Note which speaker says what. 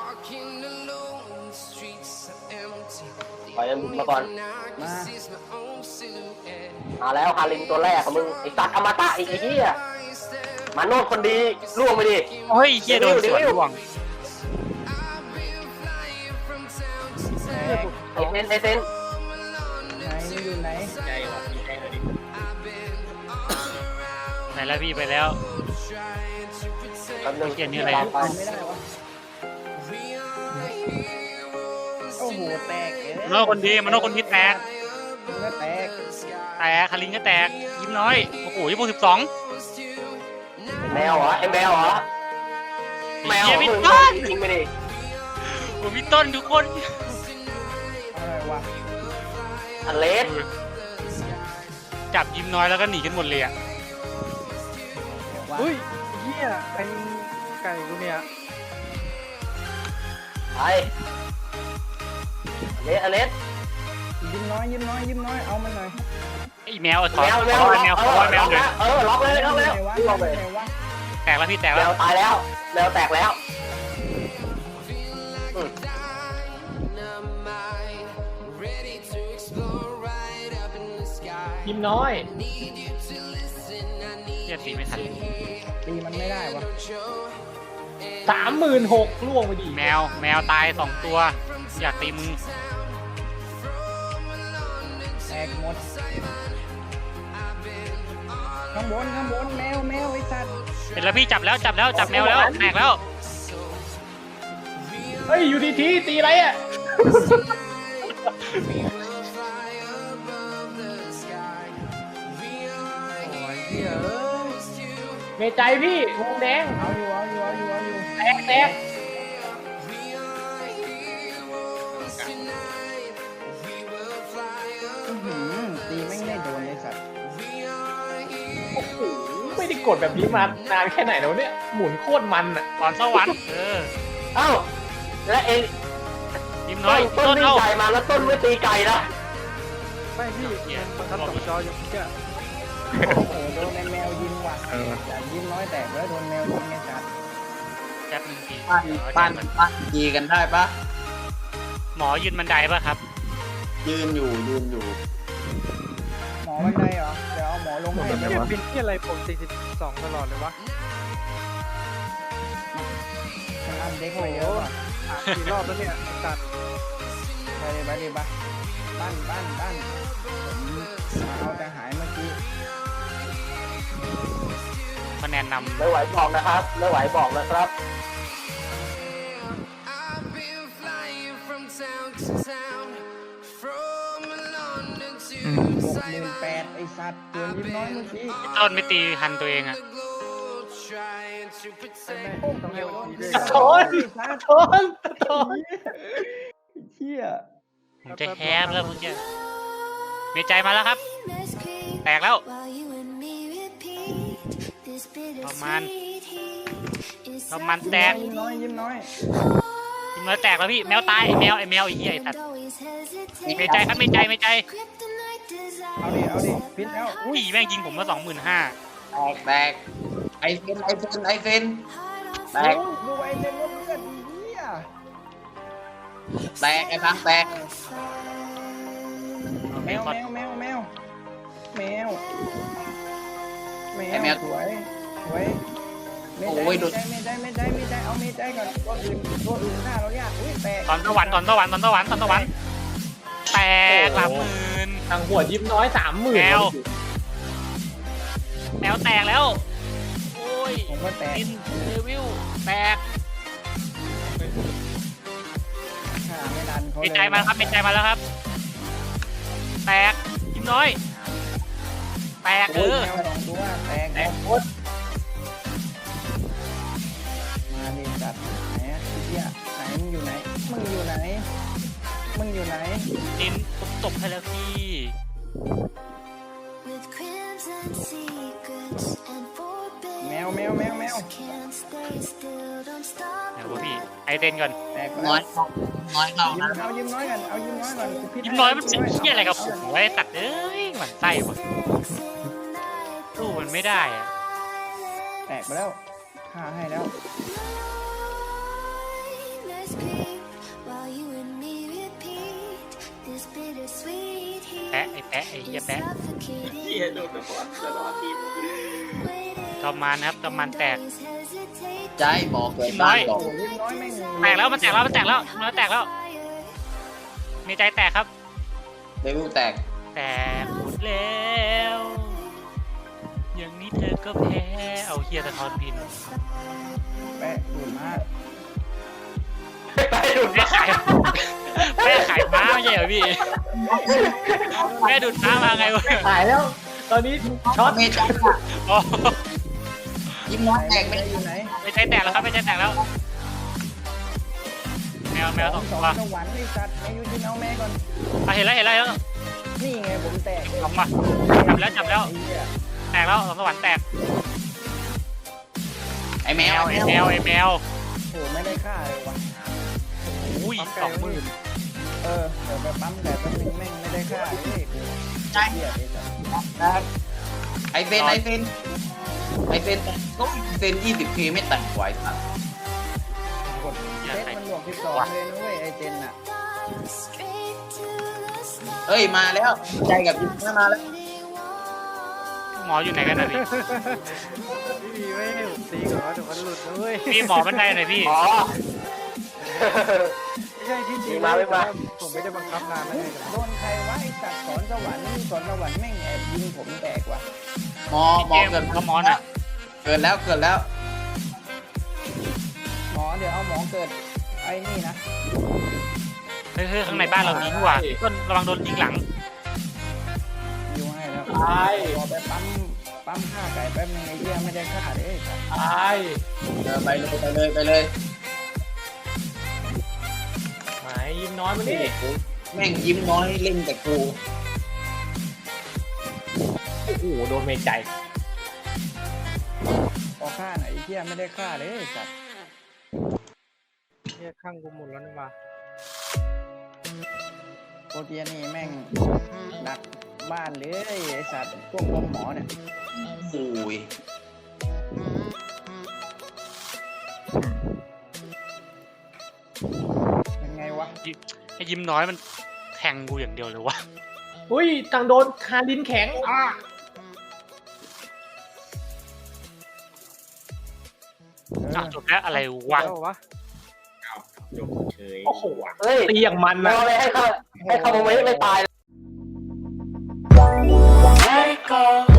Speaker 1: ปล่อยมันมาก่อนมาแล้วคารินตัวแรกของมึงไอ้สัตว์อมตะอีกไอ้เหี้ยมาโนดคนดีล่วงไปดิ
Speaker 2: เฮ้ยเฮียโดนสวนล่วง
Speaker 1: ไอ้เซนไอ้เซน
Speaker 3: ไหนอยู่ไหน
Speaker 2: ใจว่ะใจเลยดิไหนแล้วพี่ไปแล้ว
Speaker 1: แป๊บนึง
Speaker 2: เขียนนี่อะไร
Speaker 3: ไม่ได้วะโอ้โหแตก
Speaker 2: มันโน่คนดีมันโน่คนที่แตก
Speaker 3: ก็แตก
Speaker 2: คารินก็แตกยิ้มน้อยโอ้โห22
Speaker 1: แมวเหรอไอ้แมวเหรอแมว
Speaker 2: พี่
Speaker 1: มึง
Speaker 2: ต้น
Speaker 1: จริงไปดิ
Speaker 2: ผมพี่ต้นทุกคน
Speaker 3: อะไรวะ
Speaker 1: อเลส
Speaker 2: จับยิ้มน้อยแล้วก็หนีกันหมดเลยอ่ะ
Speaker 4: อุ้ยเฮียไอ้ไก่กูเนี่ย
Speaker 1: ไปอเลส
Speaker 3: ยิ้มน้อยเอามันหน่อย
Speaker 2: ไอ้แมวถอ
Speaker 1: แม
Speaker 2: ยว
Speaker 1: แมว
Speaker 2: แมวขอแมวเลย
Speaker 1: ล็อกเลยล็อกเลย
Speaker 3: ไหนวะ
Speaker 2: แตกแล้วพี่แตก
Speaker 1: แม
Speaker 2: แล้ว
Speaker 1: วตายแล้วแมวแตกแล้ว
Speaker 5: ยิ้มน้อย
Speaker 2: เฮียตีไม่ทัน
Speaker 3: ตีมันไม่ได้วะ
Speaker 5: 36,000ล่วงไปดิ
Speaker 2: แมวตาย2ตัวอยากตีมึง
Speaker 3: แตกหมดข้างบนแมวไอ้สัตว์
Speaker 2: เห็นแล้วพี่จับแมวแล้วแตกแล้ว
Speaker 5: เฮ้ยอยู่ดีๆตีอะไรอ่ะ
Speaker 4: โอ้ยเฮียเอ้ย
Speaker 5: เมใจพี่วงแดง
Speaker 3: เอาอยู่
Speaker 5: แตก
Speaker 3: ตีไม่ได้โดนไอ้สัตว์
Speaker 5: โอ้โหไม่ได้กดแบบนี้มานานแค่ไหนแล้วเนี่ยหมุนโคตรมันอ่ะ
Speaker 2: ก่อนสวรรค์
Speaker 1: เอ้าแล้วเอง
Speaker 2: ยิ้มน้อย
Speaker 1: ต้นวิ่งไก่มาแล้วต้นไม่ตีไก่นะ
Speaker 4: ไม่พี่มันทำกับจออยู่เฮีย
Speaker 3: โอ้โหโดนแมวยิงว่ะอย่ายิ้มน้อยแตกแล้วโดนแมวยิงไอ้สัตว์
Speaker 2: แป๊บนึงพี่
Speaker 6: ปั้นดีกันได้ปะ
Speaker 2: หมอยืนบันไดป่ะครับ
Speaker 6: ยืนอยู่
Speaker 3: หมอบันไดเหรอเดี๋ยวเอาหมอลงให้
Speaker 4: เฮียเป็นที่อะไรผม42ตลอดเลยวะ
Speaker 3: มันอันเด็กไปเยอะว่ะ
Speaker 4: กี่รอบแล้วเนี่ยตัด
Speaker 3: ไปเลยบ้านผมเอาแต่หายเมื่อกี้
Speaker 2: คะแนนนำ
Speaker 1: ไม่ไหวบอกนะครับไม่ไหวบอกนะครับ
Speaker 3: 68,000ไอ้สัตว์ตัวยิ้มน้อยเมื่อกี้
Speaker 2: ต้นไม่ตีทันตัวเองอ่ะ
Speaker 4: ต้องให้มันดีด้วย
Speaker 5: สะท้อน
Speaker 3: เชี่ย
Speaker 2: ผมจะแฮปแล้วเมื่อกี้เมใจมาแล้วครับ แตกแล้วประมาณแตก
Speaker 3: ยิ้มน้อย
Speaker 2: ยิ้มน้อยแตกแล้วพี่แมวตายไอ้แมวไอ้เหี้ยไอ้สัตว์เมใจครับเมใจ
Speaker 3: เอาดิพิษแล้ว
Speaker 2: อุ้ยแม่งยิงผมมา25,000
Speaker 6: แตกไอเซนแตก
Speaker 3: ดูไอ้เล่นรถเลือดดีอ่ะ
Speaker 6: แตกไอ้พังแตก
Speaker 3: แมวสวยไม่ได้เอาเมใจก่อนตัวอื่นหน้าเราเนี่ยอุ้ยแตก
Speaker 2: ตอนสวรรค์แตก30,000
Speaker 5: ทางหัวยิ้มน้อย 30,000
Speaker 2: แมวแตกแล้วโอ้ย
Speaker 3: ผมก็แตก
Speaker 2: ดินเดวิลแตก
Speaker 3: ไม่ดันเขา
Speaker 2: เมใจมาครับเมใจมาแล้วครับแตกยิ้มน้อยแตก
Speaker 3: แตกหมดมาดิจัดไหนพี่ไหนมึงอยู่ไหน
Speaker 2: ดินตบให้แล้วพี่
Speaker 3: แมว
Speaker 2: ไหนวะพี่ไอเดนก่อน
Speaker 3: แตก
Speaker 6: น้อยเข้านะ
Speaker 3: เอายิ้มน้อยก่อน
Speaker 2: ยิ้มน้อยมันเชี่ยอะไรกับผมไว้ตัดเอ้ยหมันไส้ว่ะสู้มันไม่ได้อะ
Speaker 3: แตกไปแล้วฆ่าให้แล้ว
Speaker 2: แปะไอ้แปะไอ้เหี้ยแปะ
Speaker 5: เฮียโดนตะบอดตลอดที
Speaker 2: กำมันครับกำมันแตก
Speaker 6: ใจหมอเกิดบ้านบอก
Speaker 3: โอ้ยิ้มน้อยแม่ง
Speaker 2: แตกแล้วมันแตกแล้วมันแตกแล้วมันแตกแล้วมีใจแตกครับ
Speaker 6: เดวิลแตก
Speaker 2: แตกหมดแล้วอย่างนี้เธอก็แพ้เอาเฮียสะท้อนพิน
Speaker 3: แปะดูดมาก
Speaker 1: ไปดูด
Speaker 2: แม่ขายแม่ขายม้าไม่ใช่เหรอพี่แม่ดูดม้ามาไงวะ
Speaker 5: หายแล้ว ตอนนี้ช็อต
Speaker 6: เมจังอะ
Speaker 2: โอ้
Speaker 6: ยิ้มน้อยแตก
Speaker 3: แม่
Speaker 6: ไม่
Speaker 3: อยู่ไหน
Speaker 2: ไม่ใจแตกแล้วครับไม่ใจแตกแล้วแมวสอง
Speaker 3: ส
Speaker 2: ตั
Speaker 3: อ
Speaker 2: ว
Speaker 3: งสวรรค์ไอ้สัตว์แม่อยู่ยินเอาแม่ก่อน
Speaker 2: เห็นแล้ว
Speaker 3: นี่ไงผมแตก
Speaker 2: เอามาจับแล้ว
Speaker 3: ไอ้เหี้ย
Speaker 2: แตกแล้วสองสวรรค์แตก
Speaker 6: ไอ้แมว
Speaker 2: ไอ้แมว
Speaker 3: โอ้ไม่ได้ค่าเลยว่ะ
Speaker 2: อุ้ย20,000
Speaker 3: เดี๋ยวไปปั๊มแต่แป๊บนึงแม่งไม่ได้ค่าเลยกู
Speaker 6: ใจ
Speaker 3: เหี้ยไอ้สัตว์
Speaker 6: ไอเฟนก็เฟน20K ไม่แตกไหวสัตว์
Speaker 3: กดเซตมันบวก12เลยนะเว้ยไอเจนน่ะ
Speaker 6: เฮ้ยมาแล้วใจกับยิ้มมาแล้ว
Speaker 2: หมออยู่ไหนกันนะพี่
Speaker 4: พี่มีไม่ให้ผมตีก่อนเดี๋ยวมันหลุดนะเว้ย
Speaker 2: พี่หมอบันไดหน่อยพี่
Speaker 1: อ๋อ
Speaker 4: ไม่ใช่ที่จริง
Speaker 1: มีมาไม่มา
Speaker 4: ผมไม่ได้บังคับนานนะไง
Speaker 3: โดนใครวะไอสัตว์สอนสวรรค์สอนสวรรค์แม่งแอบยิงผมแตกว่ะ
Speaker 6: หมอเกิด
Speaker 2: ก็หมอน่ะ
Speaker 6: เกิดแล้ว
Speaker 3: หมอเดี๋ยวเอาหมอเกิดไอ้นี่นะ
Speaker 2: เฮ้ยข้างในบ้านเรามีดีกว่าต้นระวังโดนยิงหลัง
Speaker 3: อยู่ให้แล้ว
Speaker 5: ตาย
Speaker 3: รอไปปั๊มฆ่าไก่แป๊บนึงไอ้เหี้ยไม่ได้ฆ่าเลยไอ้สัตว์
Speaker 5: ตาย
Speaker 6: ไปเลย
Speaker 5: หายยิ้มน้อยมานี่
Speaker 6: แม่งยิ้มน้อยเล่นแต่กู
Speaker 5: โอ้โหโดนเมใจ
Speaker 3: พอฆ่าไหนไอ้เหี้ยไม่ได้ฆ่าเลยไอ้สัตว์
Speaker 4: เนี่ยข้างกูหมดแล้วนี่มา
Speaker 3: โปรเตียนี่แม่งดักบ้านเลยไอ้สัตว์พวกหมอเนี่ย
Speaker 6: โอ้ย
Speaker 3: ยังไงวะ
Speaker 2: ไอ้ยิ้มน้อยมันแทงกูอย่างเดียวเลยวะ
Speaker 5: อุ้ยต่างโดนคาดินแข็ง
Speaker 2: จบแล้วอะไรวะ
Speaker 4: แล้ววะ
Speaker 5: โอ้โห
Speaker 1: เฮ้ย
Speaker 5: ตีอย่างมัน
Speaker 1: แม
Speaker 5: นะ
Speaker 1: วเลยให้เขาโมเมนต์ไม่ตาย
Speaker 7: Let it go.